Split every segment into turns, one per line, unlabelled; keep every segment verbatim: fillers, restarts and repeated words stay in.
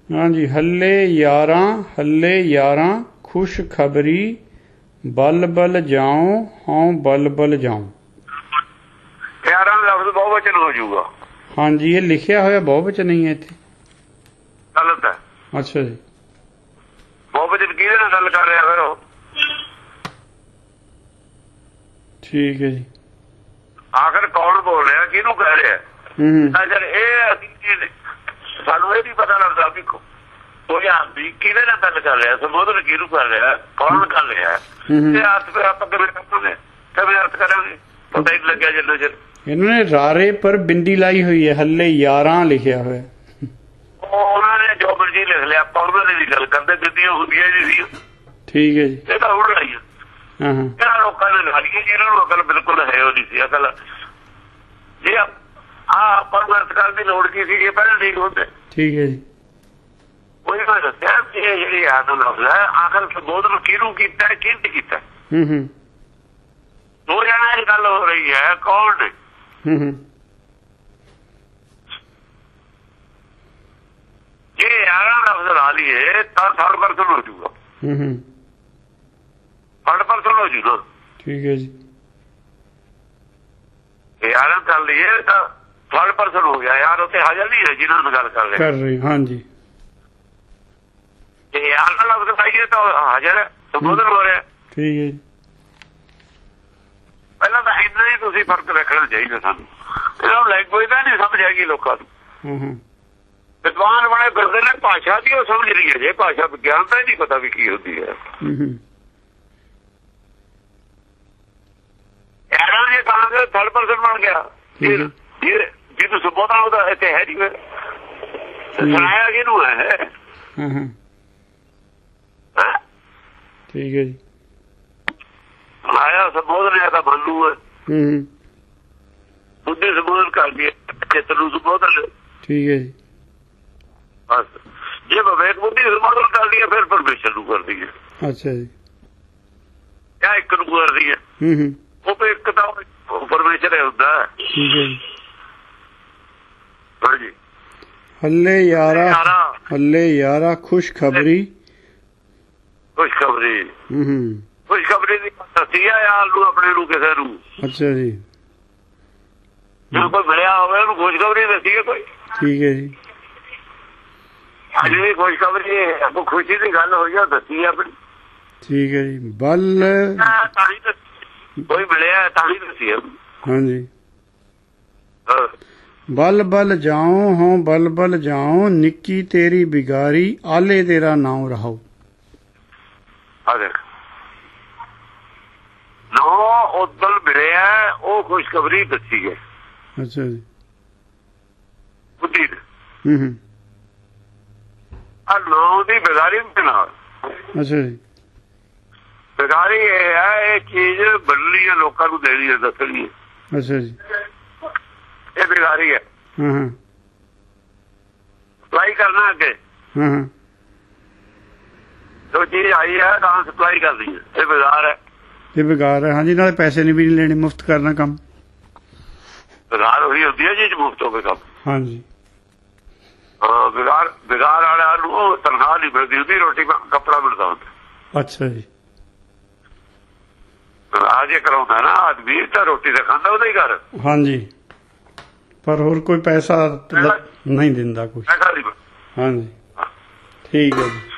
हाँ जी। हल्ले यारां हल्ले यारां खुश खबरी बल बल जाऊं हाँ बल बल जाऊं।
यारां लफ्ज बहुवचन हो जाऊगा।
हाँ जी, ये लिखिया होया बहुवचन नहीं है इत्थे।
गलत है।
अच्छा जी।
बहुवचन किहदे नाल गल कर रहा फिर?
ठीक है जी।
आखिर कौन बोल रहा, किहनूं कह रहा? अगर ये सानू ये नहीं पता लगता भी कोई आदमी किहदे नाल गल कर रहा, संबोधन किहनूं कर रहा, कौन कर रहा, ते अर्थ फिर आप किवें करांगे, किवें अर्थ करांगे? पता ही नहीं लग्या जिन्ना चिर। इन्होंने
रारे पर बिंदी लाई हुई है, हल्ले यारां लिखिया होया।
उन्होंने जो मर्जी लिख लिया, ਆਪਾਂ ਉਹਨਾਂ ਦੀ ਗੱਲ ਕਰਦੇ, ਬਿੰਦੀਆਂ ਹੁੰਦੀਆਂ ਨਹੀਂ ਸੀ।
ਠੀਕ ਹੈ ਜੀ।
ਇਹ ਤਾਂ ਹੁਣ ਆਈ ਹੈ।
ਹਾਂ ਹਾਂ।
ਇਹਨਾਂ ਲੋਕਾਂ ਨੇ ਲਾ ਲਈ, ਜਿਹਨਾਂ ਨੂੰ ਅਕਲ ਬਿਲਕੁਲ ਹੈ ਉਹ ਨਹੀਂ ਸੀ ਅਕਲ। ਜੇ ਆ ਆਪਾਂ ਨੂੰ ਅਰਥ ਕਰਨ ਦੀ ਲੋੜ ਕੀ ਸੀ, ਇਹ ਪਹਿਲਾਂ ਠੀਕ ਹੁੰਦੇ।
ਠੀਕ ਹੈ ਜੀ।
ਉਹੀ ਮੈਂ ਦੱਸਿਆ ਕਿ ਇਹ ਜਿਹੜੀ ਆਦਮ ਲਫ਼ਜ਼ ਹੈ, ਆਖਰ ਸੰਬੋਧਨ ਕਿਹਨੂੰ ਕੀਤਾ, ਕਿਹਨੇ ਕੀਤਾ?
ਹੂੰ ਹੂੰ।
ਦੋ ਜਣਾਂ ਦੀ ਗੱਲ ਹੋ ਰਹੀ ਹੈ, ਕੌਣ ਨੇ?
ਹੂੰ ਹੂੰ।
ਜੇ यारां लफ्ज ला लिए तो थर्ड परसन हो जाऊगा। थर्ड परसन हो जाऊगा।
ठीक है जी।
यारां कर लिए तो थर्ड परसन हो गया। यार उत्ते हाजिर नहीं है जिन्होंने गल कर रहे
कर रही। हाँ जी।
यारां लफ्ज लाइए तो हाजिर है, संबोधन हो रहा है।
ठीक है जी।
पहला तो इन्ना ही तुसीं फर्क रखना चाहिए सानू। इन्हां नूं लैंग्वेज दा नहीं समझ आएगी लोकां नूं। विद्वान बने फिरदे ने, भाषा की वो समझ रही है जे, भाषा विज्ञान का ही नहीं पता भी की होती है। यारां जे कहांगे थर्ड पर्सन बन गया, जी तू संबोधन होता इत्थे है नहीं, फिर सुनाया किहनूं है?
ठीक है जी।
सुनाया संबोधन है तो मनु है, बुद्धि संबोधन कर दिया, चित्त नूं संबोधन।
ठीक है जी।
बस जे विवेक बुद्धि संबोधन कर दिया फिर परमेश्वर नूं कर दी है।
अच्छा जी।
क्या एक नूं कर दी है? वो तो एक तो परमेश्वर है हुंदा।
ठीक है जी।
हाँ जी।
हल्ले यारा हल्ले यारा खुश खबरी
खुश खबरी खुश खबरी दी दसी है यार नूं अपने नूं किसे नूं। अच्छा
जी।
जो कोई मिलिया होवे उहनूं खुश खबरी दसी है कोई।
ठीक है जी।
अज भी खुशखबरी आपको खुशी की गल हुई है, दसी अपनी।
ठीक है जी। बल
कोई मिले ताही दसी है।
हाँ जी। बल बल जाऊं हों बल बल जाऊं निक्की तेरी बिगारी आले तेरा नाम रहो।
नौ उदल मिले है वो खुशखबरी दसी है।
अच्छा जी।
बुद्धि
हम्म
नौ की बेगारी नाल।
अच्छा जी।
बेगारी ये है, ये चीज बननी है, लोगों को देनी है, दसनी है।
अच्छा जी।
ये बेगारी है। सप्लाई करना अगे जो चीज आई है तो सप्लाई करनी है, ये बेकार है।
ये बेकार है। हाँ जी। नाले पैसे नहीं भी नहीं लेने, मुफ्त करना काम।
बेकार वही होती है जी मुफ्त हो काम।
हाँ जी।
हाँ, बिगाड़ बिगाड़ वाले तनख्वाह नहीं मिलती होती, रोटी कपड़ा मिलता होता।
अच्छा जी।
आज ये कराਉਂਦਾ ना आदमी तो रोटी तो खांदा ਉਹਦਾ ਹੀ घर।
हाँ जी। पर और कोई पैसा नहीं दिंदा कुछ। हाँ जी। ठीक है जी।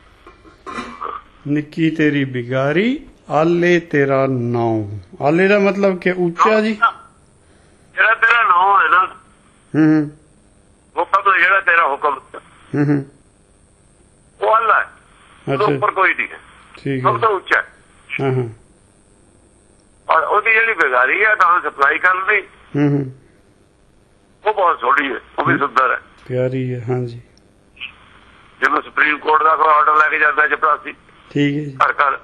निक्की तेरी बिगारी आले तेरा नाम। आले का मतलब क्या? ऊंचा जी।
जेड़ा तेरा नाम है ना,
हम्म
हुक्म है, जेड़ा तेरा हुक्म
हम्म
वो अल्लाह है।
अच्छा।
ऊपर कोई नहीं है।
ठीक है।
सब तो ऊंचा है।
हाँ।
और ਉਹਦੀ ਜਿਹੜੀ बेगारी है ਤਾਂ सप्लाई कर दी, वो बहुत थोड़ी है, वो भी सुंदर है,
प्यारी है। हाँ जी।
जिन्होंने सुप्रीम कोर्ट का कोई ऑर्डर लेके जाता है चपरासी।
ठीक है।
घर घर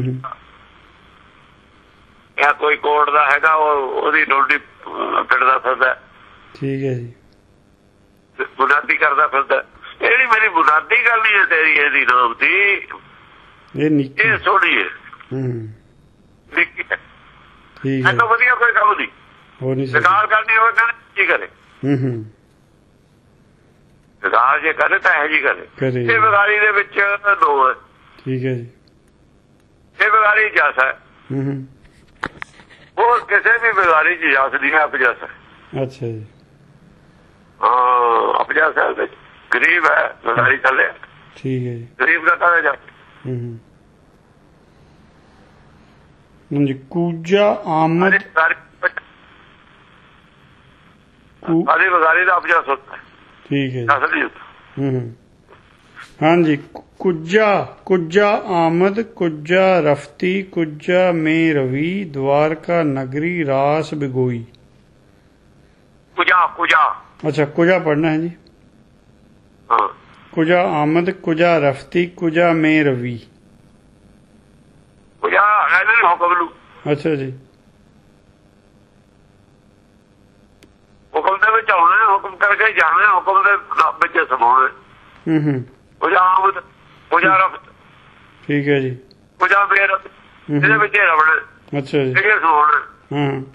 या कोई कोर्ट का हैगा ਉਹਦੀ ਡੋਡੀ ਕੱਢਦਾ ਫਿਰਦਾ।
ठीक है जी।
बुनियादी करता फिरदा। ਜਿਹੜੀ मेरी बुनियादी गल नहीं है तेरी ਇਹਦੀ नाम दी,
ये निक्की
ये सोहनी है। निक्की है।
ठीक है।
तो वधिया कोई काम नहीं।
हो नहीं
सरकार करनी हो की करे। ਵਿਗਾਰ ਜੇ ਕਰੇ ਤਾਂ ਇਹ ਜੀ ਕਰੇ।
ਕਰੇ
ਇਹ ਵਿਗਾਰੀ ਦੇ ਵਿੱਚ ਦੋ ਹੈ।
ਠੀਕ ਹੈ ਜੀ।
ਇਹ ਵਿਗਾਰੀ ਜਸ ਹੈ।
ਹੂੰ ਹੂੰ।
ਹੋਰ ਕਿਸੇ ਵੀ ਵਿਗਾਰੀ ਚ ਜਸ ਨਹੀਂ ਹੈ, ਅਪਜਸ ਹੈ।
ਅੱਛਾ ਜੀ।
ਹਾਂ ਅਪਜਸ ਹੈ, ਗਰੀਬ ਹੈ ਵਿਗਾਰੀ ਥੱਲੇ।
ਠੀਕ ਹੈ ਜੀ।
ਗਰੀਬ ਦਾ ਕਹੇ ਜਾ।
ਹੂੰ ਹੂੰ। ਹਾਂਜੀ। ਕੂਜਾ ਆਮਦ
ਸਾਰੀ ਵਿਗਾਰੀ ਦਾ ਅਪਜਸ ਹੁੰਦਾ।
ਠੀਕ ਹੈ ਜੀ।
ਅਸਲੀ ਹੁੰਦਾ।
ਹੂੰ ਹੂੰ। ਹਾਂਜੀ। ਕੁੱਜਾ ਕੁੱਜਾ ਆਮਦ ਕੁੱਜਾ ਰਫਤੀ ਕੁੱਜਾ ਮੇ ਰਵੀ ਦਵਾਰਕਾ ਨਗਰੀ ਰਾਸ ਬਿਗੋਈ।
ਕੁਜਾ ਕੁਜਾ
ਅੱਛਾ ਕੁਜਾ ਪੜ੍ਹਨਾ ਹੈ ਜੀ।
ਹਾਂ।
ਕੁਜਾ ਆਮਦ ਕੁਜਾ ਰਫਤੀ ਕੁਜਾ ਮੇ ਰਵੀ।
ਕੁਜਾ ਇਹਨਾਂ ਨੇ ਹੁਕਮ ਨੂੰ।
ਅੱਛਾ ਜੀ।
ਹੁਕਮ ਦੇ ਵਿੱਚ ਆਉਣਾ, ਹੁਕਮ ਕਰਕੇ ਜਾਣਾ, ਹੁਕਮ ਦੇ ਵਿੱਚ ਸਮਾਉਣਾ।
ਹੂੰ ਹੂੰ।
ਕੁਜਾ ਆਮਦ ਕੁਜਾ ਰਫਤ।
ਠੀਕ ਹੈ ਜੀ।
ਕੁਜਾ ਮੇਰ ਇਹਦੇ ਵਿੱਚ ਰਵਣਾ। ਅੱਛਾ ਜੀ। ਇਹ ਸਮਾਉਣਾ।
ਹਾਂ।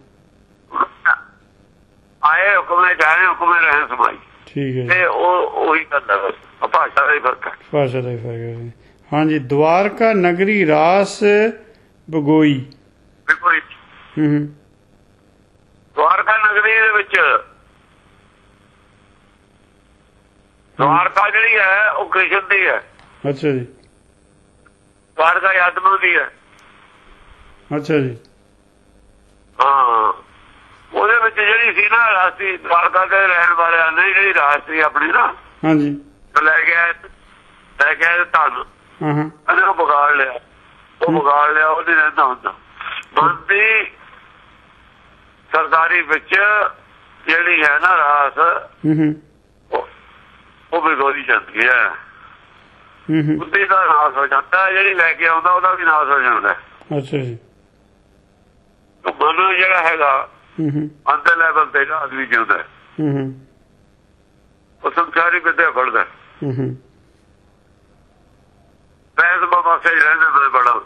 ਆਏ ਹੁਕਮ ਨੇ ਜਾਣੇ, ਹੁਕਮ ਨੇ ਰਹਿਣ ਸਮਾਈ।
ਠੀਕ ਹੈ।
ਤੇ ਉਹ ਉਹੀ ਕਰਦਾ ਬਸ, ਭਾਸ਼ਾ ਦਾ ਹੀ ਫਰਕ ਹੈ। ਭਾਸ਼ਾ
ਦਾ ਹੀ ਫਰਕ ਹੈ। ਹਾਂਜੀ। ਦਵਾਰਕਾ ਨਗਰੀ ਰਾਸ ਬਗੋਈ।
ਬਿਲਕੁਲ।
ਹੂੰ ਹੂੰ।
ਦਵਾਰਕਾ ਨਗਰੀ ਦੇ ਵਿੱਚ ਦਵਾਰਕਾ ਜਿਹੜੀ ਹੈ ਉਹ ਕ੍ਰਿਸ਼ਨ ਦੀ ਹੈ।
ਅੱਛਾ ਜੀ।
ਦਵਾਰਕਾ ਆਤਮਾ ਦੀ ਹੈ।
ਅੱਛਾ ਜੀ।
ਹਾਂ ਉਹਦੇ ਵਿੱਚ ਜਿਹੜੀ ਸੀ ਨਾ ਰਾਸ਼ਟਰੀ ਦਵਾਰਕਾ ਦੇ ਰਹਿਣ ਵਾਲਿਆਂ ਨੇ ਜਿਹੜੀ ਰਾਸ਼ਟਰੀ ਆਪਣੀ ਨਾ
ਹਾਂਜੀ
ਲੈ ਗਿਆ ਲੈ ਗਿਆ ਧਨ।
ਹਾਂ ਹਾਂ।
ਉਹਨੇ ਉਹ ਵਿਗਾੜ ਲਿਆ। ਉਹ ਵਿਗਾੜ ਲਿਆ ਉਹ ਨਹੀਂ ਰਹਿੰਦਾ ਹੁੰਦਾ। ਬੰਦੀ ਸਰਦਾਰੀ ਵਿੱਚ ਜਿਹੜੀ ਹੈ ਨਾ ਰਾਸ ਉਹ ਬਿਗੋਰੀ ਜਾਂਦੀ ਹੈ। ਬੁੱਧੀ ਦਾ ਨਾਸ ਹੋ ਜਾਂਦਾ, ਜਿਹੜੀ ਲੈ ਕੇ ਆਉਂਦਾ ਉਹਦਾ ਵੀ ਨਾਸ ਹੋ ਜਾਂਦਾ।
ਅੱਛਾ ਜੀ।
ਮਨ ਜਿਹੜਾ ਹੈਗਾ ਅੰਦਰ ਲੈਵਲ ਤੇ ਆਦਮੀ ਜਿਉਂਦਾ, ਉਹ ਸੰਸਾਰੀ ਵਿਦਿਆ ਪੜ੍ਹਦਾ। ਬੈਸ ਬਾਬਾ ਰਹਿੰਦੇ ਬੜੇ ਬੜਾ।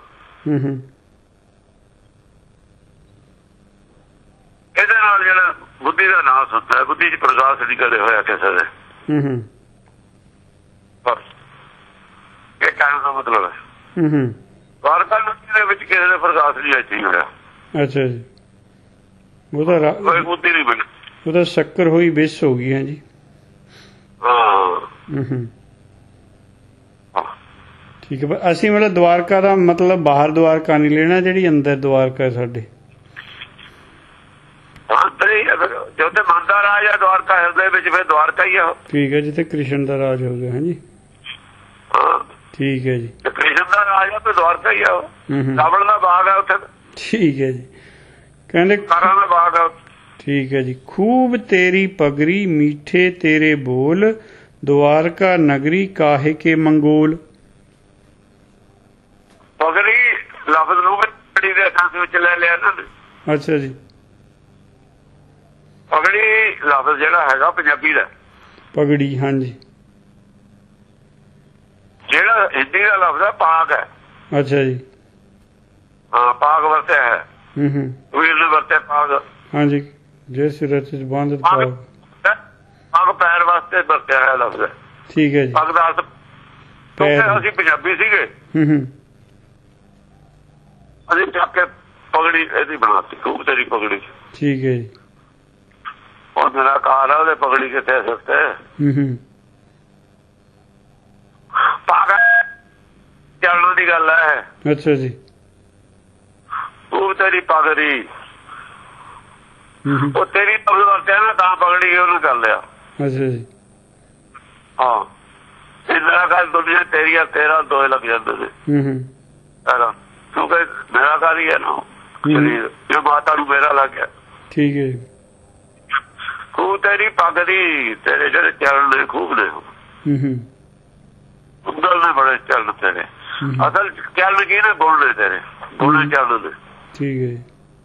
ਇਹਦੇ ਨਾਲ ਜਿਹੜਾ ਬੁੱਧੀ ਦਾ ਨਾਸ ਹੁੰਦਾ ਹੈ, ਬੁੱਧੀ ਚ ਪ੍ਰਕਾਸ਼ ਨਹੀਂ ਕਦੇ ਹੋਇਆ ਕਿਸੇ ਦੇ। ਬਸ ਇਹ ਕਹਿਣ ਦਾ ਮਤਲਬ ਹੈ ਦਵਾਰਕਾ ਨਗਰੀ ਦੇ ਵਿੱਚ ਕਿਸੇ ਦੇ ਪ੍ਰਕਾਸ਼ ਨਹੀਂ ਇੱਥੇ ਹੋਇਆ। ਅੱਛਾ ਜੀ। ਉਹਦਾ ਕੋਈ ਬੁੱਧੀ ਨਹੀਂ ਬਣੀ। ਉਹਦਾ
ਸ਼ੱਕਰ ਹੋਈ ਵਿਸ਼ ਹੋ ਗਈ ਹੈ ਜੀ।
ਹਾਂ
ਠੀਕ ਹੈ। ਅਸੀਂ ਮਤਲਬ ਦਵਾਰਕਾ ਦਾ ਮਤਲਬ ਬਾਹਰ ਦਵਾਰਕਾ ਨਹੀਂ ਲੈਣਾ, ਜਿਹੜੀ ਅੰਦਰ ਦਵਾਰਕਾ ਸਾਡੇ
ਜੋ ਤੇ ਮਨ ਦਾ ਰਾਜ ਹੈ ਦਵਾਰਕਾ ਹਿਰਦੇ ਵਿੱਚ, ਫਿਰ ਦਵਾਰਕਾ ਹੀ ਆ।
ਠੀਕ ਹੈ। ਜਿੱਥੇ ਕ੍ਰਿਸ਼ਨ ਦਾ ਰਾਜ ਹੋ ਗਿਆ ਹੈ ਜੀ।
ਹਾਂ
ਠੀਕ ਹੈ ਜੀ।
ਕ੍ਰਿਸ਼ਨ ਦਾ ਰਾਜ ਹੈ ਤੇ ਦਵਾਰਕਾ ਹੀ ਆ। ਰਾਵਣ ਦਾ ਬਾਗ ਹੈ ਉੱਥੇ।
ਠੀਕ ਹੈ ਜੀ। ਕਹਿੰਦੇ
ਕਾਰਾਂ ਦਾ ਬਾਗ ਹੈ।
ਠੀਕ ਹੈ ਜੀ। ਖੂਬ ਤੇਰੀ ਪਗੜੀ ਮੀਠੇ ਤੇਰੇ ਬੋਲ ਦਵਾਰਕਾ ਨਗਰੀ ਕਾਹੇ ਕੇ ਮੰਗੋਲ।
ਪਗੜੀ ਲਫ਼ਜ਼ ਨੂੰ ਪਗੜੀ ਦੇ ਅਰਥ ਵਿੱਚ ਲੈ ਲਿਆ ਨਾ।
ਅੱਛਾ ਜੀ।
ਪਗੜੀ ਲਫ਼ਜ਼ ਜਿਹੜਾ ਹੈਗਾ ਪੰਜਾਬੀ ਦਾ
ਪਗੜੀ। ਹਾਂਜੀ।
ਜਿਹੜਾ ਹਿੰਦੀ ਦਾ ਲਫ਼ਜ਼ ਹੈ ਪਾਗ ਹੈ।
ਅੱਛਾ ਜੀ।
ਹਾਂ ਪਾਗ ਵਰਤਿਆ ਹੈ।
ਹੂੰ ਹੂੰ।
ਵੀਰ ਨੇ ਵਰਤਿਆ ਪਾਗ।
ਹਾਂਜੀ। ਜੇ ਸਿਰ ਚ ਬੰਦ ਪਾਗ
ਪੱਗ ਪੈਰ ਵਾਸਤੇ ਵਰਤਿਆ ਹੈ ਲਫ਼ਜ਼।
ਠੀਕ ਹੈ ਜੀ।
ਪੱਗ ਦਾ ਅਰਥ ਅਸੀਂ ਪੰਜਾਬੀ ਸੀਗੇ।
ਹੂੰ ਹੂੰ।
ਅਸੀਂ ਚੱਕ ਕੇ ਪਗੜੀ ਇਹਦੀ ਬਣਾਤੀ ਖੂਬ ਤੇਰੀ ਪਗੜੀ।
ਠੀਕ ਹੈ ਜੀ।
ਉਹ ਮੇਰਾ ਕਾਰ ਆ ਉਹਦੇ ਪਗੜੀ ਕਿੱਥੇ ਸੁੱਤੇ।
ਹੂੰ ਹੂੰ।
ਪਾਗ ਚੱਲਣ ਦੀ ਗੱਲ ਹੈ।
ਅੱਛਾ ਜੀ।
ਖੂਬ ਤੇਰੀ ਪਗੜੀ ਉਹ ਤੇਰੀ ਲਫ਼ਜ਼ ਵਰਤਿਆ ਨਾ ਤਾਂ ਪਗੜੀ ਉਹਨੂੰ ਕਰ ਲਿਆ।
ਅੱਛਾ ਜੀ।
ਹਾਂ ਮੇਰਾ ਕਾਰ ਦੁਨੀਆ ਤੇਰੀ ਆ ਤੇਰਾ ਦੋਏ ਲੱਗ ਜਾਂਦੇ ਨੇ।
ਹੂੰ ਹੂੰ।
ਕਿਉਂਕਿ ਮੇਰਾ ਕਾਰ ਹੀ ਹੈ ਨਾ ਸਰੀਰ, ਜੋ ਮਾਤਾ ਨੂੰ ਮੇਰਾ ਲੱਗ ਗਿਆ।
ਠੀਕ ਹੈ ਜੀ।
ਖੂਬ ਤੇਰੀ ਪਗੜੀ ਤੇਰੇ ਜਿਹੜੇ ਚਰਨ ਨੇ ਖੂਬ ਨੇ ਉਂਗਲ ਨੇ ਬੜੇ ਚਰਨ ਤੇਰੇ। ਅਸਲ ਚਰਨ ਕੀ ਨੇ ਗੁਣ ਨੇ ਤੇਰੇ, ਗੁਣ ਚਰਨ ਨੇ।
ਠੀਕ ਹੈ ਜੀ।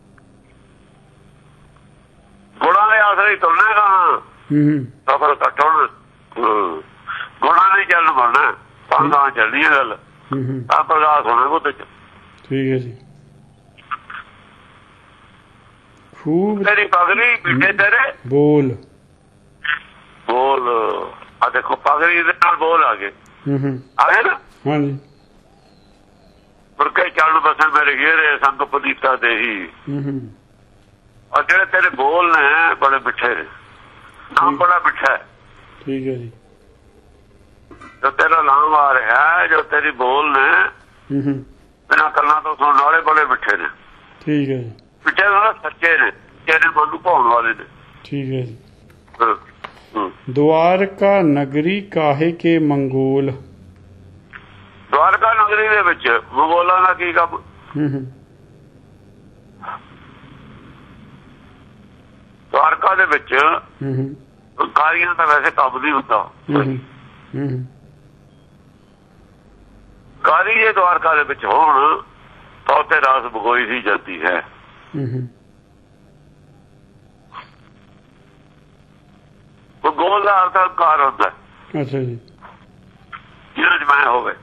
ਗੁਣਾਂ ਦੇ ਆਸਰੇ ਤੁਰਨੇ ਗਾ ਸਫਰ ਘੱਟ ਹੋਣਾ। ਗੁਣਾਂ ਨੇ ਚੱਲਣ ਬਣਨਾ ਤਾਂ ਚੱਲਣੀ ਹੈ ਗੱਲ। ਤਾਂ ਪ੍ਰਕਾਸ਼ ਹੋਣਾ ਉਹਦੇ ਚ।
ਠੀਕ ਹੈ ਜੀ। ਖੂਬ
ਤੇਰੀ ਪਗੜੀ ਮਿੱਠੇ ਤੇਰੇ
ਬੋਲ
ਬੋਲ। ਅੱਜ देखो पगड़ी दे नाल बोल आ गए आए ना।
हाँ जी।
मुड़के चल बसन मेरे घेरे संग पनीता दे ही। और जेड़े तेरे बोल ने बड़े मिठे ने, नाम बड़ा मिठा है।
ठीक है जी।
जो तेरा नाम आ रहा है, जो तेरी बोल ने बिना कलना तो सुनने वाले बड़े मिठे ने।
ठीक है।
मिठे ना सच्चे ने, तेरे मन नूं भाउण वाले ने।
ठीक है जी। द्वारका नगरी काहे के मंगोल।
द्वारका नगरी दे विच मंगोलां दा की काम। द्वारका दे विच कारियां दा वैसे काम नहीं हुंदा। कारी जे द्वारका दे विच होण तो ते रास भगोई ही जाती है। मंगोल का अर्थ हंकार होता है।
अच्छा जी।
जिन्हें मैं हो गए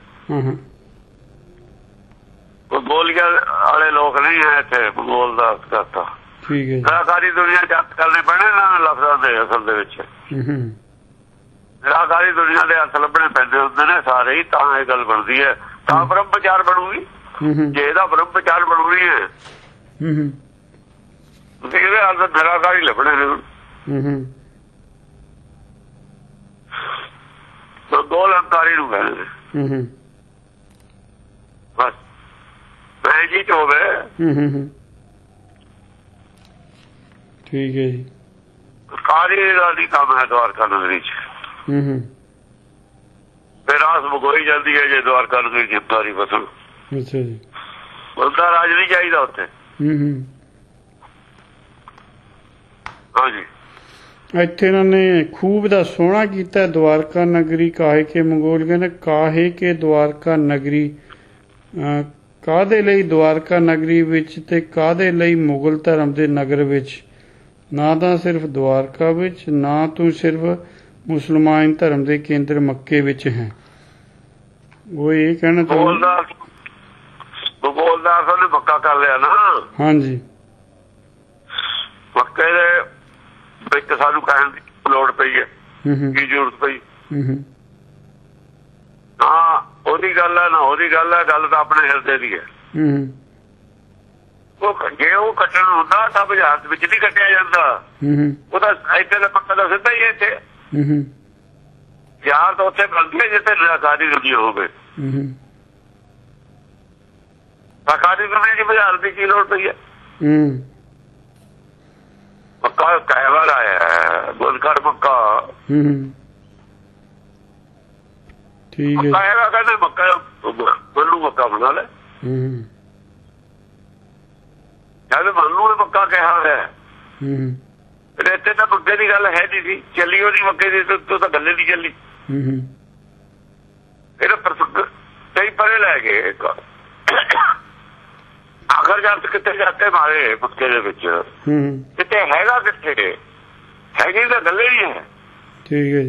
मंगोलिया वाले लोग नहीं है इतने मंगोल का अर्थ करता।
ठीक है।
निराकारी दुनिया जत करने पैने ना लफ्जां दे असल दे विच। निराकारी दुनिया के अर्थ लभने पैंदे हुंदे ने सारे ही, तां ये गल बनदी है, तां ब्रह्म विचार बनूगी। जे इहदा ब्रह्म विचार बनूगी है तुसीं इहदे अर्थ निराकारी लभने ने। मंगोल हंकारी नूं कहंदे ने। बस मैं जी हो गए।
ठीक है जी।
कारी का नहीं काम है द्वारका नगरी च। फिर रास भगोई जाती है जे द्वारका नगरी जिम्मेदारी बसन।
अच्छा जी।
बंदा राज नहीं चाहिए उत्थे। हाँ जी।
ਇੱਥੇ ਇਹਨਾਂ ਨੇ ਖੂਬ ਦਾ ਸੋਹਣਾ ਕੀਤਾ। द्वारका नगरी काहे के मंगोल कहने काहे के द्वारका नगरी ਕਾਹਦੇ ਲਈ द्वारका नगरी ਵਿੱਚ ਤੇ ਕਾਹਦੇ ਲਈ ਮੁਗਲ ਧਰਮ ਦੇ ਨਗਰ ਵਿੱਚ। ਨਾ ਤਾਂ ਸਿਰਫ द्वारका ਵਿੱਚ, ਨਾ ਤੂੰ ਸਿਰਫ ਮੁਸਲਮਾਨ ਧਰਮ ਦੇ ਕੇਂਦਰ ਮੱਕੇ ਵਿੱਚ ਹੈ। ਉਹ ਇਹ ਕਹਿਣਾ ਚਾਹੁੰਦਾ
ਬੋਲਦਾਰ ਨੇ ਮੱਕਾ ਕਰ ਲਿਆ ਨਾ। ਹਾਂਜੀ। ਮੱਕੇ ਦੇ ਵਿੱਚ ਸਾਨੂੰ ਕਹਿਣ ਦੀ ਲੋੜ ਪਈ ਹੈ, ਕੀ ਜ਼ਰੂਰਤ ਪਈ। ਹਾਂ ਉਹਦੀ ਗੱਲ ਹੈ ਨਾ ਉਹਦੀ ਗੱਲ ਹੈ, ਗੱਲ ਤਾਂ ਆਪਣੇ ਹਿਰਦੇ ਦੀ ਹੈ। ਉਹ ਜੇ ਉਹ ਕੱਟਣ ਹੁੰਦਾ ਤਾਂ ਬਾਜ਼ਾਰ ਵਿੱਚ ਨਹੀਂ ਕੱਟਿਆ ਜਾਂਦਾ। ਉਹ ਤਾਂ ਇੱਥੇ ਦਾ ਪੱਕਾ ਦਾ ਸਿੱਧਾ ਹੀ ਹੈ। ਇੱਥੇ ਯਾਰ ਤਾਂ ਉੱਥੇ ਬਣਦੀ ਹੈ ਜਿੱਥੇ ਨਿਰਾਕਾਰੀ ਦੁਨੀਆ ਹੋਵੇ। ਨਿਰਾਕਾਰੀ ਦੁਨੀਆ ਦੀ ਬਾਜ਼ਾਰ ਦੀ ਕੀ ਲੋੜ ਪਈ ਹੈ। ਮੱਕਾ ਕਈ ਵਾਰ ਆਇਆ ਹੈ, ਗੁਲਕਾਰ ਮੱਕਾ। ਠੀਕ ਹੈ। ਆਏਗਾ ਕਹਿੰਦੇ ਮੱਕਾ ਮੈਨੂੰ ਮੱਕਾ ਬਣਾ ਲੈ। ਜਦ ਮੈਨੂੰ ਮੱਕਾ ਕਿਹਾ ਹੋਇਆ ਇੱਥੇ ਤਾਂ ਮੱਕੇ ਦੀ ਗੱਲ ਹੈ ਨਹੀਂ ਸੀ। ਚੱਲੀ ਉਹਦੀ ਮੱਕੇ ਦੀ ਤੂੰ ਤਾਂ ਗੱਲੇ ਨਹੀਂ ਚੱਲੀ। ਇਹਦਾ ਪ੍ਰਸੰਗ ਕਈ ਪਰੇ ਲੈ ਗਏ। ਆਖਰ ਜਦ ਕਿੱਥੇ ਜਾ ਕੇ ਮਾਰੇ ਮੱਕੇ ਦੇ ਵਿੱਚ ਕਿਤੇ ਹੈਗਾ, ਕਿੱਥੇ ਹੈਗੀ ਤਾਂ ਗੱਲੇ ਨਹੀਂ ਹੈ।
ਠੀਕ ਹੈ ਜੀ।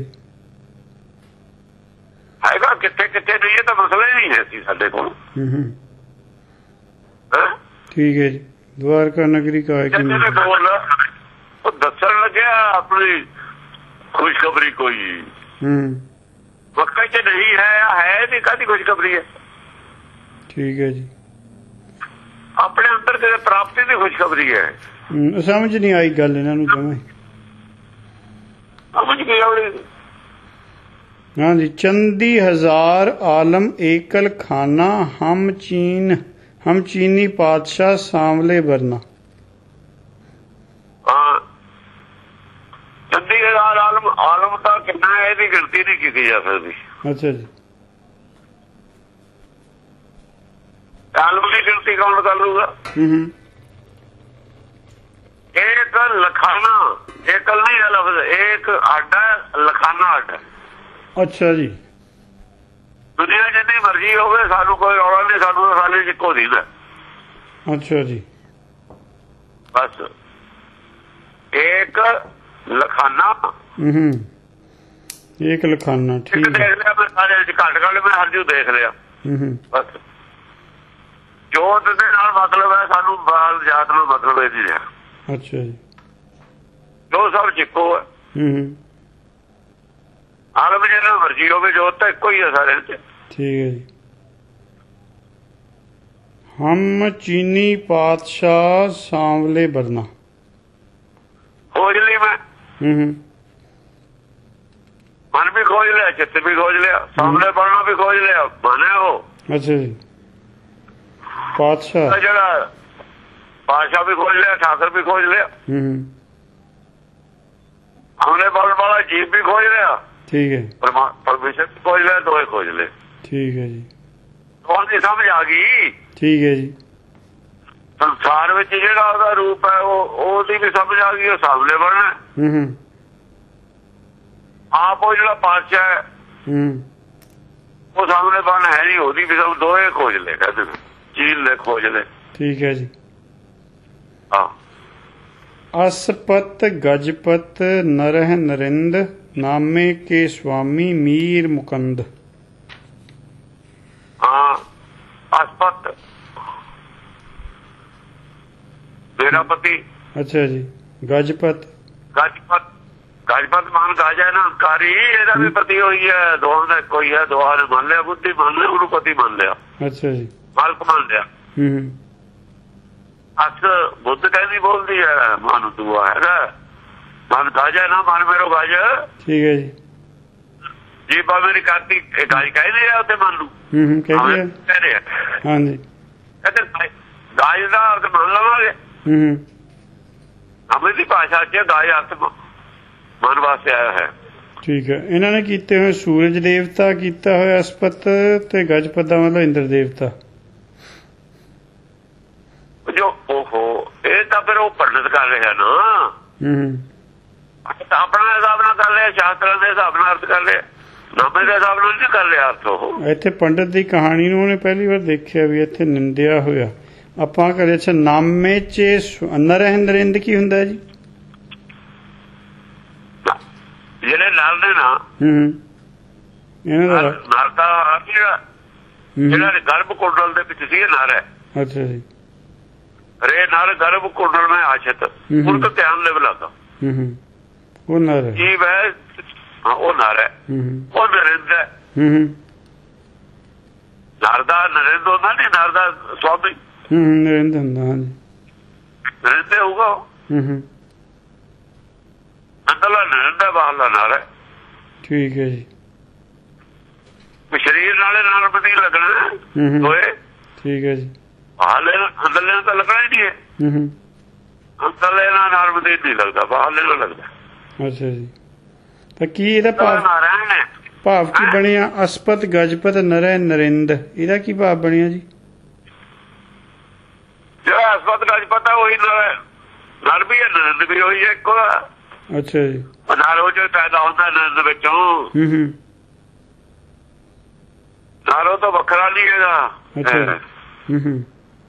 ਹੈਗਾ ਕਿੱਥੇ ਕਿੱਥੇ ਨਹੀਂ, ਇਹ ਤਾਂ ਮਸਲਾ ਹੀ ਨਹੀਂ ਹੈ ਸੀ ਸਾਡੇ ਕੋਲ।
ਠੀਕ ਹੈ ਜੀ। द्वारका नगरी का
बोल ਉਹ ਦੱਸਣ ਲੱਗਿਆ ਆਪਣੀ ਖੁਸ਼ਖਬਰੀ ਕੋਈ ਮੱਕਾ ਚ ਨਹੀਂ ਹੈ, ਹੈ ਨਹੀਂ ਕਾਹਦੀ ਖੁਸ਼ਖਬਰੀ ਹੈ। ਠੀਕ
ਹੈ ਜੀ।
ਆਪਣੇ ਅੰਦਰ ਤੇ ਪ੍ਰਾਪਤੀ ਦੀ ਖੁਸ਼ਖਬਰੀ ਹੈ।
ਸਮਝ ਨਹੀਂ ਆਈ ਗੱਲ ਇਹਨਾਂ ਨੂੰ ਜਮਾਂ।
ਸਮਝ ਗਏ ਉਹਨੇ।
हाँ जी। चंदी हजार आलम एकल खाना हम चीन हम चीनी पातशाह सांवले बरना।
हाँ चंदी हजार आलम आलम का कितना है इसकी गिनती नहीं की जा सकती।
अच्छा जी।
आलम की गिनती कौन कर लूगा। एक लखाना एकल नहीं है लफ्ज, एक आडा लखाना आडा।
अच्छा जी।
दुनिया जितनी मर्जी हो गए सानू कोई रौला नहीं, सानू साले इक्को दीदा।
अच्छा जी।
बस एक लखाना
एक लखाना। ठीक है।
देख लिया मैं सारे घट घट मैं हर जू देख लिया। बस जोत दे नाल मतलब है सानू बाल जात नाल मतलब है नहीं रहा।
अच्छा जी।
जो सब चिक्को है। ਆਲਮ ਜਿਹੜਾ ਮਰਜੀ ਹੋਵੇ ਜੋਤ ਤਾਂ ਇੱਕੋ ਹੀ ਹੈ ਸਾਰਿਆਂ 'ਚ।
ठीक है जी। हम चीनी पातशाह सांवले बरना
खोज ली मैं,
हम्म
मन भी खोज लिया, चित्त भी खोज लिया, सामने बढ़ना भी खोज लिया, मन है वो।
अच्छा जी। पातशाह
जरा पातशाह भी खोज लिया, ठाकर भी खोज लिया,
हम्म
हमने बढ़ने वाला जीव भी खोज लिया,
ठीक है,
परमेश्वर भी खोज लिया, दो ही खोज ले।
ठीक है जी।
कौन सी समझ आ गई?
ठीक है जी।
संसार में ਜਿਹੜਾ ਉਹਦਾ ਰੂਪ ਹੈ ਉਹ ਉਹਦੀ ਵੀ ਸਮਝ ਆ ਗਈ, ਉਹ ਸਾਹਮਣੇ ਬਣਨਾ।
ਹੂੰ
ਆਪ ਉਹ ਜਿਹੜਾ ਪਾਤਸ਼ਾਹ ਹੈ
ਹੂੰ
ਉਹ ਸਾਹਮਣੇ ਬਣ ਹੈ ਨਹੀਂ, ਉਹਦੀ ਵੀ ਸਭ ਦੋਏ ਖੋਜ ਲੈ, ਕਹਿੰਦੇ ਚੀਲ ਲੈ ਖੋਜ ਲੈ।
ठीक है जी।
ਹਾਂ
असपत गजपत नरह नरिंद नामे के स्वामी मीर मुकंद।
ਹਾਂ ਅਸਪਤ ਮੇਰਾ ਪਤੀ।
अच्छा जी। गजपत
ਗਜਪਤ ਗਜਪਤ ਮਾਨ ਗਾਜਾ ਨਾ ਕਾਰੀ, ਇਹਦਾ ਵੀ ਪਤੀ ਹੋਈ ਹੈ, ਦੋਹਾਂ ਦਾ ਕੋਈ ਹੈ, ਦੋਹਾਂ ਨੇ ਮੰਨ ਲਿਆ, ਬੁੱਧੀ ਮੰਨ ਲਿਆ, ਉਹਨੂੰ ਪਤੀ ਮੰਨ ਲਿਆ,
अच्छा जी।
ਮਾਲਕ ਮੰਨ ਲਿਆ।
हम्म
ਅਸ ਬੁੱਧ ਕਹਿੰਦੀ ਬੋਲਦੀ ਹੈ, ਮਨ ਦੂਆ ਹੈਗਾ, ਮਨ ਗਾਜਾ ਨਾ ਮਨ ਮੇਰੋ ਗਾਜ।
ठीक है जी।
ਜੀ ਬਾ ਮੇਰੀ ਕਾਤੀ ਗਾਜ ਕਹਿੰਦੇ ਆ ਉਹਦੇ ਮਨ ਨੂੰ।
हम्म कह दिया।
ਕਹਿ ਰਹੇ
हाँ जी।
ਕਹਿੰਦੇ ਗਾਜ ਦਾ ਅਰਥ ਮੰਨ ਲਵਾਂਗੇ,
हम्म
ਹਮੇ ਦੀ ਭਾਸ਼ਾ ਚ ਗਾਜ ਅਰਥ ਮਨ ਵਾਸਤੇ ਆਇਆ ਹੈ।
ठीक है। ਇਹਨਾਂ ਨੇ ਕੀਤੇ ਹੋਏ ਸੂਰਜ ਦੇਵਤਾ ਕੀਤਾ ਹੋਇਆ ਅਸਪਤ ਤੇ ਗਜਪਤ ਦਾ ਮਤਲਬ ਇੰਦਰ ਦੇਵਤਾ।
ਜੋ ਓਹੋ ਇਹ ਤਾਂ ਫਿਰ ਉਹ ਪੰਡਤ ਕਰ ਰਿਹਾ ਨਾ,
ਹੂੰ
ਆਪਣਾ ਹਿਸਾਬ ਨਾਲ ਕਰ ਲਿਆ, ਸ਼ਾਸਤਰਾਂ ਦੇ ਹਿਸਾਬ ਨਾਲ ਅਰਥ ਕਰ ਲਿਆ, ਨਾਮੇ ਦੇ ਹਿਸਾਬ ਨਾਲ ਨਹੀਂ ਕਰ ਲਿਆ ਅਰਥ। ਉਹ
ਇੱਥੇ ਪੰਡਤ ਦੀ ਕਹਾਣੀ ਨੂੰ ਉਹਨੇ ਪਹਿਲੀ ਵਾਰ ਦੇਖਿਆ ਵੀ ਇੱਥੇ ਨਿੰਦਿਆ ਹੋਇਆ। ਆਪਾਂ ਕਰੇ ਅੱਛਾ ਨਾਮੇ ਚ ਨਰਹਿ ਨਰਿੰਦ ਕੀ ਹੁੰਦਾ ਜੀ?
ਜਿਹੜੇ ਨਾਲ ਨੇ ਨਾ
ਹੂੰ ਇਹਨਾਂ ਦਾ
ਨਰ ਦਾ ਜਿਹੜਾ ਜਿਹੜਾ ਗਰਭ ਕੁੰਡਲ ਦੇ ਵਿੱਚ ਸੀ, ਇਹ ਨਰ ਹੈ।
ਅੱਛਾ ਜੀ।
ਰੇ ਨਰ ਗਰਭ ਕੁੰਡਲ में आश्रित, उनका ध्यान ले लगा।
हम्म वो नर है।
जीव है, हाँ वो नर है, वो नरेंद्र है।
हम्म
नरदा नरेंद्र होता नहीं, नरदा स्वामी
हम्म नरेंद्र होता। हाँ जी।
नरेंद्र होगा।
हम्म
अंदरला नरेंद्र, बाहरला नर है।
ठीक है जी।
शरीर नाले नाल भी नहीं लगना दोए।
ठीक है जी।
बाहरले अंदरले तो लगना ही नहीं है।
हम्म
अंदरले नाल भी नहीं लगता, बाहरले ना लगता।
अच्छा जी। तो की ਇਹਦਾ ਭਾਵ
ਨਾਰਾਇਣ ਹੈ,
ਭਾਵ ਕੀ ਬਣਿਆ? ਅਸਪਤ ਗਜਪਤ ਨਰਹਿ ਨਰਿੰਦ, ਇਹਦਾ ਕੀ ਭਾਵ ਬਣਿਆ ਜੀ?
ਜਿਹੜਾ ਅਸਪਤ ਗਜਪਤ ਹੈ ਉਹੀ ਨਰ, ਨਰ ਵੀ ਹੈ, ਨਰਿੰਦ ਵੀ ਹੋਈ ਹੈ, ਇੱਕੋ।
ਅੱਛਾ ਜੀ।
ਨਰ ਉਹ ਜੋ ਪੈਦਾ ਹੁੰਦਾ ਨਰਿੰਦ ਵਿੱਚੋਂ,
ਹੂੰ ਹੂੰ
ਨਰ ਉਹ ਤਾਂ ਵੱਖਰਾ ਨਹੀਂ ਹੈਗਾ।
ਅੱਛਾ। ਹੂੰ ਹੂੰ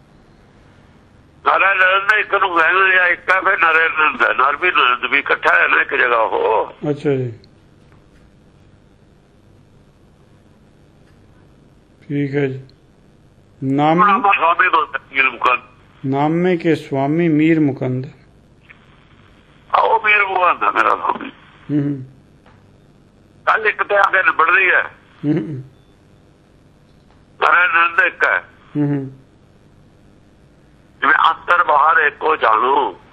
ਨਾਰਾ ਨਰਿੰਦ ਇੱਕ ਨੂੰ ਕਹਿੰਦੇ ਜਾਂ ਇੱਕ ਹੈ, ਫਿਰ ਨਰੇ ਨਰਿੰਦ ਹੈ, ਨਰ ਵੀ ਨਰਿੰਦ ਵੀ ਇਕੱਠਾ ਹੈ ਨਾ ਇੱਕ ਜਗ੍ਹਾ ਉਹ।
ਅੱਛਾ ਜੀ। ठीक है जी। नाम
स्वामी मीर मुकंद,
नामे के स्वामी मीर मुकंद।
आओ मीर मुकंद है मेरा स्वामी। कल एक तो आगे निबड़ रही है, नरे नरिंद एक है। जिਵੇਂ अंदर बाहर एको जानो,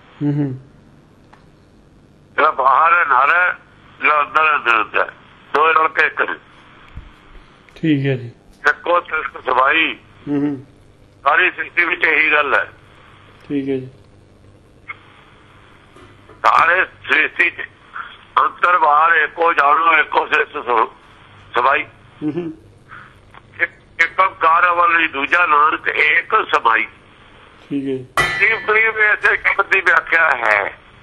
ਜਿਹੜਾ बाहर है नर है, ਜਿਹੜਾ अंदर है नरिंद है, दो रल के एक ने।
ठीक है जी।
ਇੱਕੋ ਸਿਰਫ ਸਵਾਈ ਸਾਰੀ ਸ੍ਰਿਸ਼ਟੀ ਵਿੱਚ ਇਹੀ ਗੱਲ ਹੈ।
ਠੀਕ ਹੈ ਜੀ।
ਸਾਰੇ ਸ੍ਰਿਸ਼ਟੀ ਚ ਅੰਦਰ ਬਾਹਰ ਇੱਕੋ ਜਾਣੋ, ਇੱਕੋ ਸਿਰਫ ਸਵਾਈ, ਇੱਕ ਕਾਰ ਵਾਲੀ ਦੂਜਾ ਨਾਨਕ ਇੱਕ ਸਮਾਈ।
ਠੀਕ ਹੈ।
ਕਰੀਬ ਕਰੀਬ ਇਸੇ ਸ਼ਬਦ ਦੀ ਵਿਆਖਿਆ ਹੈ।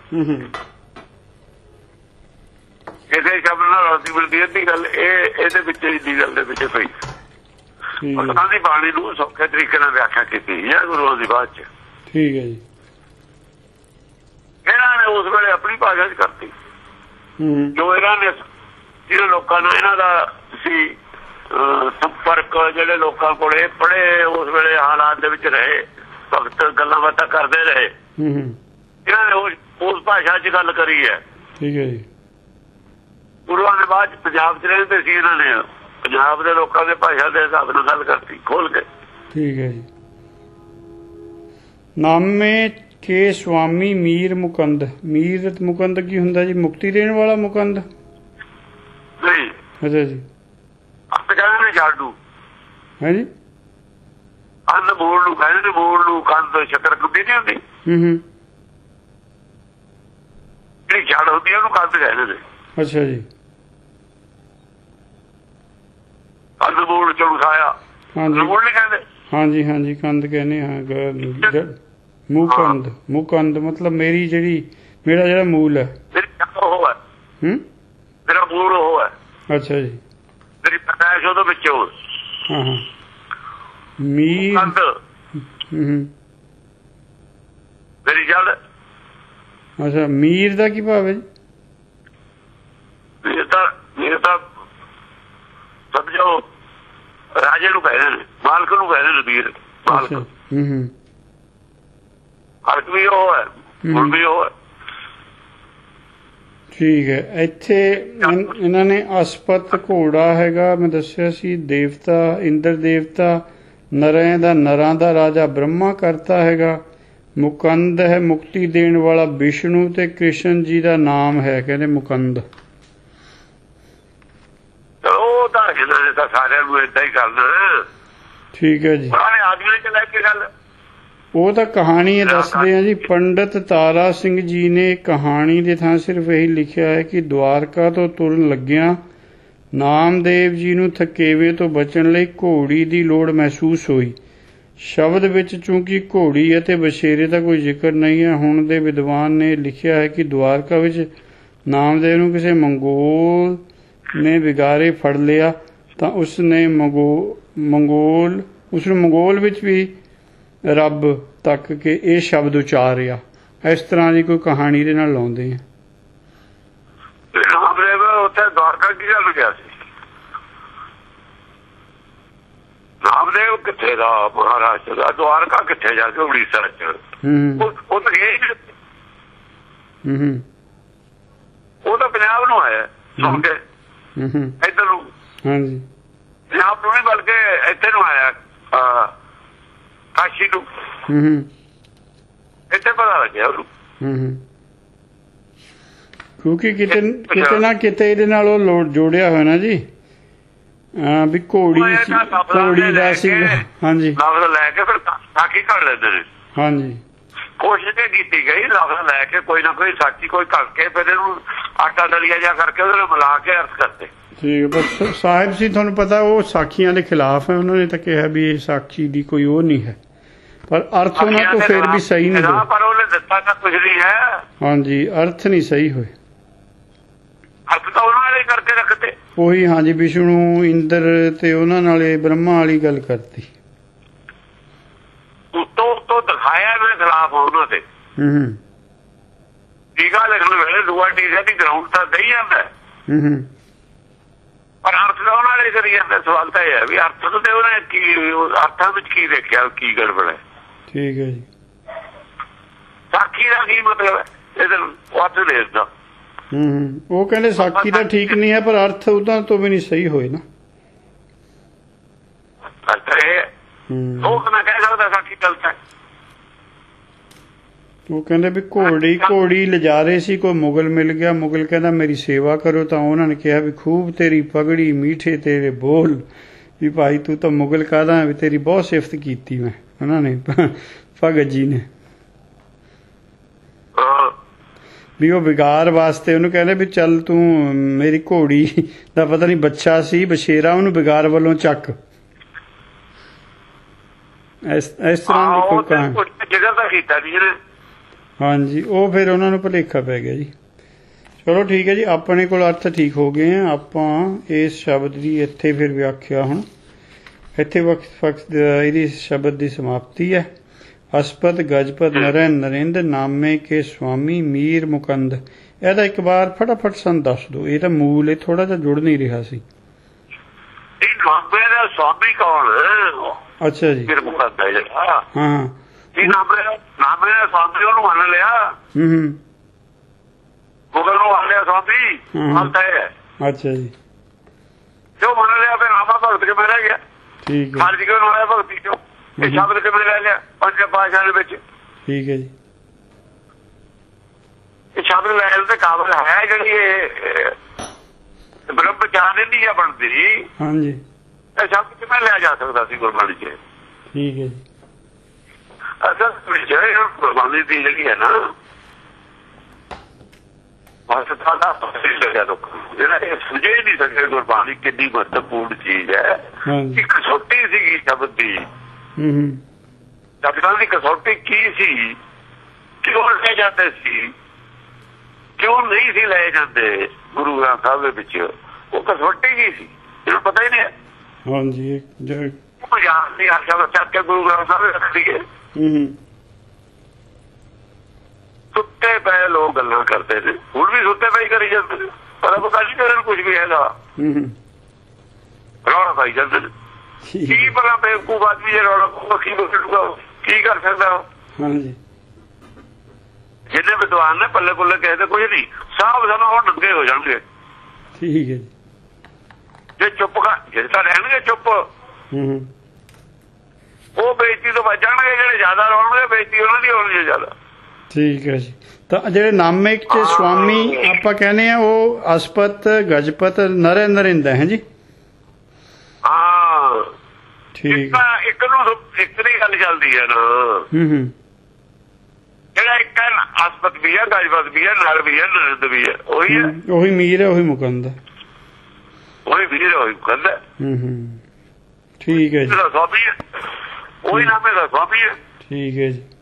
ਕਿਸੇ ਸ਼ਬਦ ਨਾਲ ਰੋਟੀ ਮਿਲਦੀ ਅੱਧੀ ਗੱਲ ਇਹ ਇਹਦੇ ਵਿੱਚ ਦੀ ਗੱਲ ਦੇ ਵਿੱਚ ਪਈ। ਉਹਨਾਂ ਦੀ ਬਾਣੀ ਨੂੰ ਸੌਖੇ ਤਰੀਕੇ ਨਾਲ ਵਿਆਖਿਆ ਕੀਤੀ ਹੈ ਗੁਰੂਆਂ ਦੀ ਬਾਤ ਚ।
ਠੀਕ ਹੈ ਜੀ।
ਇਹਨਾਂ ਨੇ ਉਸ ਵੇਲੇ ਆਪਣੀ ਭਾਸ਼ਾ ਚ ਕਰਤੀ, ਜੋ ਇਹਨਾਂ ਨੇ ਜਿਹੜੇ ਲੋਕਾਂ ਨਾਲ ਇਹਨਾਂ ਦਾ ਸੀ ਸੰਪਰਕ, ਜਿਹੜੇ ਲੋਕਾਂ ਕੋਲ ਇਹ ਪੜ੍ਹੇ, ਉਸ ਵੇਲੇ ਹਾਲਾਤ ਦੇ ਵਿੱਚ ਰਹੇ, ਭਗਤ ਗੱਲਾਂ ਬਾਤਾਂ ਕਰਦੇ ਰਹੇ, ਇਹਨਾਂ ਨੇ ਉਸ ਉਸ ਭਾਸ਼ਾ ਚ ਗੱਲ ਕਰੀ ਹੈ।
ਠੀਕ ਹੈ ਜੀ।
ਗੁਰੂਆਂ ਦੇ ਬਾਅਦ ਪੰਜਾਬ ਚ ਰਹਿੰਦੇ ਸੀ ਇਹਨਾਂ ਨੇ ਪੰਜਾਬ ਦੇ ਲੋਕਾਂ ਦੇ ਭਾਸ਼ਾ ਦੇ ਹਿਸਾਬ ਨਾਲ ਗੱਲ ਕਰਤੀ ਖੋਲ ਕੇ।
ਠੀਕ ਹੈ ਜੀ। ਨਾਮੇ ਕੇ ਸੁਆਮੀ ਮੀਰ ਮੁਕੰਦ। ਮੀਰ ਮੁਕੰਦ ਕੀ ਹੁੰਦਾ ਜੀ? ਮੁਕਤੀ ਦੇਣ ਵਾਲਾ ਮੁਕੰਦ
ਨਹੀਂ।
ਅੱਛਾ ਜੀ।
ਅੰਤ ਕਹਿੰਦੇ ਨੇ ਜਾਡੂ
ਹੈ ਜੀ।
ਅੰਨ ਮੂਲ ਨੂੰ ਕਹਿੰਦੇ ਨੇ, ਮੂਲ ਨੂੰ ਕੰਦ ਸ਼ੱਕਰ ਕੁੱਟੀ ਨਹੀਂ ਹੁੰਦੀ,
ਹੂੰ ਹੂੰ,
ਜਿਹੜੀ ਜੜ ਹੁੰਦੀ ਉਹਨੂੰ ਕੰਦ ਕਹਿੰਦੇ ਨੇ।
ਅੱਛਾ ਜੀ।
ਕੰਦ ਮੂਲ ਚੋਂ ਖਾਇਆ,
ਹਾਂਜੀ
ਮੂਲ ਨਹੀਂ ਕਹਿੰਦੇ।
ਹਾਂਜੀ ਹਾਂਜੀ, ਕੰਦ ਕਹਿੰਦੇ ਹਾਂ। ਮੁਕੰਦ, ਮੁਕੰਦ ਮਤਲਬ ਮੇਰੀ ਜਿਹੜੀ, ਮੇਰਾ ਜਿਹੜਾ ਮੂਲ ਹੈ,
ਮੇਰੀ ਜੜ ਉਹ ਹੈ।
ਹੂੰ,
ਮੇਰਾ ਮੂਲ ਉਹ ਹੈ।
ਅੱਛਾ ਜੀ।
ਮੇਰੀ ਪੈਦਾਇਸ਼ ਉਹਦੇ ਵਿੱਚੋਂ।
ਹਾਂ ਹਾਂ। ਮੀਰ,
ਕੰਦ
ਹੂੰ,
ਮੇਰੀ ਜੜ।
ਅੱਛਾ, ਮੀਰ ਦਾ ਕੀ ਭਾਵ ਹੈ ਜੀ?
ਮੀਰ ਤਾਂ ਮੀਰ ਤਾਂ ਸਮਝੋ ਰਾਜੇ ਨੂੰ ਕਹਿੰਦੇ ਨੇ, ਮਾਲਕ ਨੂੰ ਕਹਿੰਦੇ ਨੇ ਮੀਰ। ਮਾਲਕ,
ਹੂੰ ਹੂੰ,
ਹਲਕ ਵੀ ਉਹ ਹੈ, ਹੁਣ ਵੀ ਉਹ ਹੈ।
ਠੀਕ ਹੈ। ਇੱਥੇ ਇਹਨਾਂ ਨੇ ਅਸਪਤ ਘੋੜਾ ਹੈਗਾ, ਮੈਂ ਦੱਸਿਆ ਸੀ, ਦੇਵਤਾ ਇੰਦਰ ਦੇਵਤਾ, ਨਰਾਂ ਦਾ ਨਰਾਂ ਦਾ ਰਾਜਾ ਬ੍ਰਹਮਾ ਕਰਤਾ ਹੈਗਾ। ਮੁਕੰਦ ਹੈ ਮੁਕਤੀ ਦੇਣ ਵਾਲਾ ਵਿਸ਼ਨੂੰ, ਤੇ ਕ੍ਰਿਸ਼ਨ ਜੀ ਦਾ ਨਾਮ ਹੈ ਕਹਿੰਦੇ ਮੁਕੰਦ।
ਉਹ ਤਾਂ ਇਹਨਾਂ ਨੇ ਤਾਂ ਸਾਰਿਆਂ ਨੂੰ ਏਦਾਂ ਹੀ ਕਰਨਾ।
ਠੀਕ ਹੈ ਜੀ।
ਆਦਮੀ ਚ ਲੈ ਕੇ ਗੱਲ,
ਉਹ ਤਾਂ ਕਹਾਣੀ ਦੱਸਦੇ ਆ ਜੀ। ਪੰਡਤ ਤਾਰਾ ਸਿੰਘ ਜੀ ਨੇ ਕਹਾਣੀ ਦੇ ਥਾਂ ਸਿਰਫ ਇਹੀ ਲਿਖਿਆ ਹੈ ਕਿ ਦਵਾਰਕਾ ਤੋਂ ਤੁਰਨ ਲੱਗਿਆਂ ਨਾਮਦੇਵ ਜੀ ਨੂੰ ਥਕੇਵੇਂ ਤੋਂ ਬਚਣ ਲਈ ਘੋੜੀ ਦੀ ਲੋੜ ਮਹਿਸੂਸ ਹੋਈ। ਸ਼ਬਦ ਵਿੱਚ ਚੂੰਕਿ ਘੋੜੀ ਅਤੇ ਬਛੇਰੇ ਦਾ ਕੋਈ ਜ਼ਿਕਰ ਨਹੀਂ ਹੈ। ਹੁਣ ਦੇ ਵਿਦਵਾਨ ਨੇ ਲਿਖਿਆ ਹੈ ਕਿ ਦਵਾਰਕਾ ਵਿੱਚ ਨਾਮਦੇਵ ਨੂੰ ਕਿਸੇ ਮੰਗੋਲ ਨੇ ਵਿਗਾਰੇ ਫੜ ਲਿਆ ਤਾਂ ਉਸ ਨੇ ਮੰਗੋ ਮੰਗੋਲ ਉਸ ਨੂੰ ਮੰਗੋਲ ਵਿੱਚ ਵੀ ਰੱਬ ਤੱਕ ਕੇ ਇਹ ਸ਼ਬਦ ਉਚਾਰਿਆ। ਇਸ ਤਰ੍ਹਾਂ ਦੀ ਕੋਈ ਕਹਾਣੀ ਦੇ ਨਾਲ ਲਾਉਂਦੇ ਆ।
ਉੱਥੇ ਦਵਾਰਕਾ ਕੀ ਗੱਲ ਗਿਆ ਸੀ? ਨਾਮਦੇਵ ਕਿੱਥੇ ਦਾ? ਮਹਾਰਾਸ਼ਟਰ ਦਾ। ਦਵਾਰਕਾ ਕਿੱਥੇ ਜਾ ਕੇ? ਉੜੀਸਾ ਚ। ਉਹ ਤਾਂ ਗਏ ਉਹ ਤਾਂ ਪੰਜਾਬ ਨੂੰ ਆਇਆ ਸੁਣ ਕੇ ਇੱਧਰ ਨੂੰ। ਹਾਂਜੀ, ਪੰਜਾਬ ਨੂੰ ਨਹੀਂ ਬਲਕਿ ਇੱਥੇ ਨੂੰ ਆਇਆ, ਕਾਸ਼ੀ ਨੂੰ। ਇੱਥੇ ਪਤਾ ਲੱਗਿਆ ਉਹਨੂੰ,
ਕਿਉਂਕਿ ਕਿਤੇ ਕਿਤੇ ਨਾ ਕਿਤੇ ਇਹਦੇ ਨਾਲ ਉਹ ਲੋੜ ਜੋੜਿਆ ਹੋਇਆ ਨਾ ਜੀ, ਵੀ ਘੋੜੀ ਘੋੜੀ ਦਾ ਸੀ। ਹਾਂਜੀ,
ਲਫ਼ਜ਼ ਲੈ ਕੇ ਫਿਰ ਸਾਖੀ ਕਰ ਲੈਂਦੇ ਨੇ।
ਹਾਂਜੀ,
ਕੋਸ਼ਿਸ਼ ਇਹ ਕੀਤੀ ਗਈ ਲਫ਼ਜ਼ ਲੈ ਕੇ ਕੋਈ ਨਾ ਕੋਈ ਸਾਖੀ ਕੋਈ ਕਰਕੇ ਫਿਰ ਇਹਨੂੰ ਆਟਾ ਦਲੀਆ ਜਾ ਕਰਕੇ ਉਹਦੇ ਨਾਲ ਮਿਲਾ ਕੇ ਅਰਥ ਕਰਦੇ। ਠੀਕ,
ਬਸ ਸਾਹਿਬ ਜੀ ਤੁਹਾਨੂੰ ਪਤਾ ਉਹ ਸਾਖੀਆਂ ਦੇ ਖਿਲਾਫ ਹੈ। ਉਹਨਾਂ ਨੇ ਤਾਂ ਕਿਹਾ ਵੀ ਇਹ ਸਾਖੀ ਦੀ ਕੋਈ ਉਹ ਨਹੀਂ ਹੈ, ਪਰ ਅਰਥ ਉਹਨਾਂ ਤੋਂ ਫਿਰ ਵੀ ਸਹੀ ਨਹੀਂ ਹੋਏ।
ਪਰ ਉਹਨੇ ਦਿੱਤਾ ਤਾਂ ਕੁਝ ਨਹੀਂ ਹੈ।
ਹਾਂਜੀ, ਅਰਥ ਨਹੀਂ ਸਹੀ ਹੋਏ।
ਅਰਥ ਤਾਂ ਉਹਨਾਂ ਵਾਲੇ ਕਰਕੇ ਰੱਖਤੇ
ਉਹੀ। ਹਾਂਜੀ, ਵਿਸ਼ਨੂੰ ਇੰਦਰ ਤੇ ਉਹਨਾਂ ਨਾਲੇ ਬ੍ਰਹਮਾ ਵਾਲੀ ਗੱਲ ਕਰਤੀ।
ਉੱਤੋਂ ਉੱਤੋਂ ਦਿਖਾਇਆ ਇਹਨਾਂ ਖਿਲਾਫ ਉਹਨਾਂ ਤੇ।
ਹੂੰ,
ਟੀਕਾ ਲਿਖਣ ਵੇਲੇ ਦੂਆ ਟੀਕਾ ਦੀ ਗਰਾਊਂਡ ਤਾਂ ਦਈ ਜਾਂਦਾ। ਹੂੰ, ਪਰ ਅਰਥ ਤਾਂ ਉਹਨਾਂ ਵਾਲੇ ਕਰੀ ਜਾਂਦੇ। ਸਵਾਲ ਤਾਂ ਇਹ ਹੈ ਵੀ ਅਰਥ ਤੇ ਉਹਨੇ ਕੀ, ਅਰਥਾਂ ਵਿੱਚ ਕੀ ਦੇਖਿਆ, ਕੀ ਗੜਬੜ ਹੈ। ਠੀਕ ਹੈ ਜੀ। ਸਾਖੀ ਦਾ ਕੀ ਮਤਲਬ ਹੈ? ਇਹਦੇ ਅਰਥ ਦੇਖਦਾ।
ਹੂੰ, ਉਹ ਕਹਿੰਦੇ ਸਾਖੀ ਤਾਂ ਠੀਕ ਨਹੀਂ ਹੈ, ਪਰ ਅਰਥ ਉਹਨਾਂ ਤੋਂ ਵੀ ਨਹੀਂ ਸਹੀ ਹੋਏ ਨਾ।
ਅਰਥ ਇਹ ਉਹ ਮੈਂ ਕਹਿ ਸਕਦਾ ਸਾਖੀ ਗਲਤ ਹੈ।
ਉਹ ਕਹਿੰਦੇ ਵੀ ਘੋੜੀ ਘੋੜੀ ਲਿਜਾ ਰਹੇ ਸੀ, ਕੋਈ ਮੁਗਲ ਮਿਲ ਗਿਆ। ਮੁਗਲ ਕਹਿੰਦਾ ਮੇਰੀ ਸੇਵਾ ਕਰੋ, ਤਾਂ ਉਹਨਾਂ ਨੇ ਕਿਹਾ ਵੀ ਖੂਬ ਤੇਰੀ ਪਗੜੀ ਮੀਠੇ ਤੇਰੇ ਬੋਲ, ਵੀ ਭਾਈ ਤੂੰ ਤਾਂ ਮੁਗਲ ਕਾਹਦਾ, ਵੀ ਤੇਰੀ ਬਹੁਤ ਸਿਫਤ ਕੀਤੀ ਮੈਂ। ਉਹਨਾਂ ਨੇ ਭਗਤ ਜੀ ਨੇ ਵੀ ਉਹ ਵਿਗਾਰ ਵਾਸਤੇ ਉਹਨੂੰ ਕਹਿੰਦੇ ਵੀ ਚੱਲ ਤੂੰ ਮੇਰੀ ਘੋੜੀ ਦਾ ਪਤਾ ਨਹੀਂ ਬੱਚਾ ਸੀ ਬਸ਼ੇਰਾ, ਉਹਨੂੰ ਵਿਗਾਰ ਵੱਲੋਂ ਚੱਕ। ਇਸ ਇਸ ਤਰ੍ਹਾਂ ਦੀ ਕੋਈ ਕਹਾਣੀ। ਹਾਂਜੀ, ਉਹ ਫਿਰ ਉਹਨਾਂ ਨੂੰ ਭੁਲੇਖਾ ਪੈ ਗਿਆ ਜੀ। ਚਲੋ ਠੀਕ ਹੈ ਜੀ, ਆਪਣੇ ਕੋਲ ਅਰਥ ਠੀਕ ਹੋ ਗਏ ਆ। ਆਪਾਂ ਇਸ ਸ਼ਬਦ ਦੀ ਇੱਥੇ ਫਿਰ ਵਿਆਖਿਆ ਹੁਣ ਇੱਥੇ ਵਕਤ ਵਕਤ ਇਹਦੀ ਸ਼ਬਦ ਦੀ ਸਮਾਪਤੀ ਹੈ। ਅਸਪਤ ਗਜਪਤ ਨਰੈ ਨਰਿੰਦ ਨਾਮੇ ਕੇ ਸੁਆਮੀ ਮੀਰ ਮੁਕੰਦ। ਇਹਦਾ ਇੱਕ ਵਾਰ ਫਟਾਫਟ ਸਾਨੂੰ ਦੱਸ ਦਿਓ। ਇਹ ਤਾਂ ਮੂਲ ਇਹ ਥੋੜਾ ਜਿਹਾ ਜੁੜ ਨਹੀਂ ਰਿਹਾ ਸੀ।
ਸੁਆਮੀ ਕੌਣ?
ਅੱਛਾ ਜੀ,
ਹਾਂ, ਨਾਮੇ ਦਾ ਸੁਆਮੀ ਉਹਨੂੰ ਮੰਨ ਲਿਆ। ਹੂੰ, ਮੁਗਲ ਨੂੰ ਮੰਨ ਲਿਆ ਸੁਆਮੀ। ਮੰਨਦਾ ਹੈ
ਅੱਛਾ ਜੀ।
ਜੋ ਮੰਨ ਲਿਆ ਫਿਰ ਨਾਮਾ ਭਗਤ ਕਿਵੇਂ ਰਹਿ ਗਿਆ?
ਠੀਕ ਹੈ।
ਖਾਰਜ ਕਿਉਂ ਹੋਇਆ ਭਗਤੀ ਚੋਂ? ਇਹ ਸ਼ਬਦ ਕਿਵੇਂ ਲੈ ਲਿਆ ਪੰਜ ਪਾਤਸ਼ਾਹ ਦੇ ਵਿੱਚ?
ਠੀਕ ਹੈ ਜੀ।
ਇਹ ਸ਼ਬਦ ਲੈਣ ਦੇ ਕਾਬਲ ਹੈ ਜਿਹੜੀ ਇਹ ਬ੍ਰਹਮ ਗਿਆਨ ਨਹੀਂ ਆ ਬਣਦੀ।
ਹਾਂਜੀ।
ਇਹ ਸ਼ਬਦ ਕਿਵੇਂ ਲਿਆ ਜਾ ਸਕਦਾ ਸੀ ਗੁਰਬਾਣੀ ਚ?
ਠੀਕ ਹੈ ਜੀ।
ਅਸਲ ਵਿੱਚ ਗੁਰਬਾਣੀ ਦੀ ਜਿਹੜੀ ਹੈ ਨਾ ਮਹੱਤਤਾ ਦਾ ਲੱਗਿਆ ਲੋਕਾਂ ਨੂੰ, ਜਿਹੜਾ ਇਹ ਸਮਝੇ ਨਹੀਂ ਸਕੇ ਗੁਰਬਾਣੀ ਕਿੰਨੀ ਮਹੱਤਵਪੂਰਨ ਚੀਜ਼ ਹੈ। ਇੱਕ ਕਸੌਟੀ ਸੀਗੀ ਸ਼ਬਦ ਦੀ। ਸ਼ਬਦਾਂ ਦੀ ਕਸੌਟੀ ਕੀ ਸੀ? ਕਿਉਂ ਲੈ ਜਾਂਦੇ ਸੀ, ਕਿਉਂ ਨਹੀਂ ਸੀ ਲੈ ਜਾਂਦੇ ਗੁਰੂ ਗ੍ਰੰਥ ਸਾਹਿਬ ਦੇ ਵਿੱਚ? ਉਹ ਕਸੌਟੀ ਕੀ ਸੀ ਇਹਨੂੰ ਪਤਾ ਹੀ ਨਹੀਂ।
ਹਾਂਜੀ।
ਮਜ਼ਾਕ ਨਹੀਂ ਹਰ ਸ਼ਬਦ ਚੱਕ ਕੇ ਗੁਰੂ ਗ੍ਰੰਥ ਸਾਹਿਬ ਰੱਖ ਦਈਏ। ਸੁੱਤੇ ਪਏ ਲੋਕ ਗੱਲਾਂ ਕਰਦੇ ਨੇ, ਹੁਣ ਵੀ ਸੁੱਤੇ ਪਏ ਕਰੀ ਜਾਂਦੇ ਨੇ, ਪਰ ਪਤਾ ਨਹੀਂ ਕਰਨ ਕੁਝ ਵੀ ਹੈਗਾ, ਰੌਲਾ ਪਾਈ ਜਾਂਦੇ ਨੇ। ਕੀ ਪਤਾ ਬੇਵਕੂਫ ਆਦਮੀ ਜੇ ਰੌਲਾ ਪਾਊਗਾ ਕੀ ਬੋਲੂਗਾ, ਕੀ ਕਰ ਸਕਦਾ?
ਹਾਂਜੀ।
ਜਿੰਨੇ ਵਿਦਵਾਨ ਨੇ ਪੱਲੇ ਪੁੱਲੇ ਕਿਸੇ ਦੇ ਕੁਝ ਨਹੀਂ, ਸਾਹਬ ਸਾਨੂੰ ਹੁਣ ਨੰਗੇ ਹੋ ਜਾਣਗੇ।
ਠੀਕ ਹੈ ਜੀ।
ਜੇ ਚੁੱਪ ਕਰ ਜੇ ਤਾਂ ਰਹਿਣਗੇ ਚੁੱਪ, ਉਹ ਬੇਇੱਜ਼ਤੀ ਤੋਂ ਬਚ ਜਾਣਗੇ। ਜਿਹੜੇ ਜ਼ਿਆਦਾ ਰੋਣਗੇ ਬੇਇੱਜ਼ਤੀ ਉਹਨਾਂ ਦੀ ਹੋਣੀ ਹੈ ਜ਼ਿਆਦਾ। ਠੀਕ
ਹੈ ਜੀ। ਤਾਂ ਜਿਹੜੇ ਨਾਮਿਕ ਚ ਸਵਾਮੀ ਆਪਾਂ ਕਹਿੰਦੇ ਆ ਉਹ ਅਸਪਤ ਗਜਪਤ ਨਰੇ ਨਰਿੰਦਾ ਹੈ ਜੀ।
ਹਾਂ
ਠੀਕ।
ਇੱਕ ਨੂੰ ਇੱਕ ਦੀ ਗੱਲ ਚੱਲਦੀ ਹੈ ਨਾ।
ਹੂੰ ਹੂੰ।
ਜਿਹੜਾ ਇੱਕ ਅਸਪਤ ਵੀ ਹੈ, ਗਜਪਤ ਵੀ ਹੈ, ਨਰ ਵੀ ਹੈ, ਨਰਿੰਦ ਵੀ ਹੈ, ਉਹੀ ਹੈ।
ਉਹੀ ਮੀਰ ਹੈ, ਉਹੀ ਮੁਕੰਦ ਹੈ।
ਉਹੀ ਵੀਰ ਉਹੀ ਮੁਕੰਦ ਹੈ।
ਹੂੰ ਹੂੰ। ਠੀਕ ਹੈ ਜੀ।
ਸਵਾਮੀ ਹੈ, ਉਹੀ ਨਾਮੇ ਦਾ ਸਵਾਮੀ ਹੈ।
ਠੀਕ ਹੈ ਜੀ।